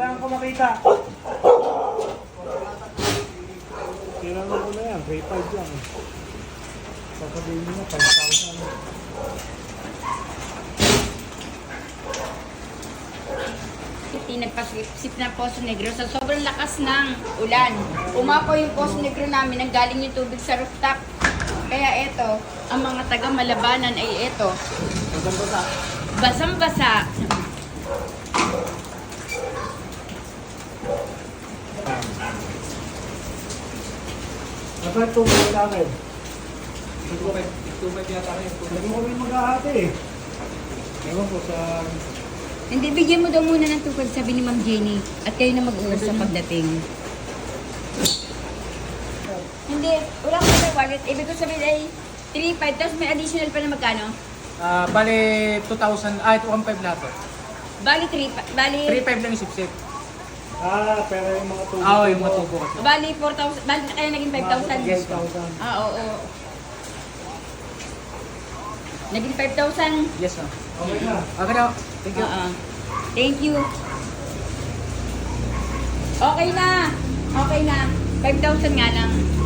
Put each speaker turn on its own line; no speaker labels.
kailangan ko makita. Kailangan ko na yan, 3.5 lang. Sasabihin mo na, 5,000.
Nagpasip ng Poso Negro sa sobrang lakas ng ulan. Umapaw yung Poso Negro namin, nanggaling yung tubig sa rooftop. Kaya eto, ang mga taga Malabanan ay eto.
Basang-basa.
Basang-basa.
Dapat tubig sa akin.
2.5 yata kayo.
Hindi mo kami mag-ahati eh. Ewan ko sa...
Hindi, bigyan mo daw muna ng tupad, sabi ni Ma'am Jenny. At kayo na mag-uusap pagdating. Hindi, wala ko may wallet. Ibig ko sabihin ay 3.5, tapos may additional pa na magkano?
Bali 2,000, 1.5 lahat po.
Bali 3, bali...
3.5 lang yung sipsip.
Pero yung mga tubo.
Yung mga tubo kasi.
Bali 4,000, bali kaya naging 5,000.
Yes,
5,000.
Oo. Naging 5,000.
Yes, ma'am.
Okay na.
Okay na. Thank you.
Thank you. Okay na. 5,000 nga lang.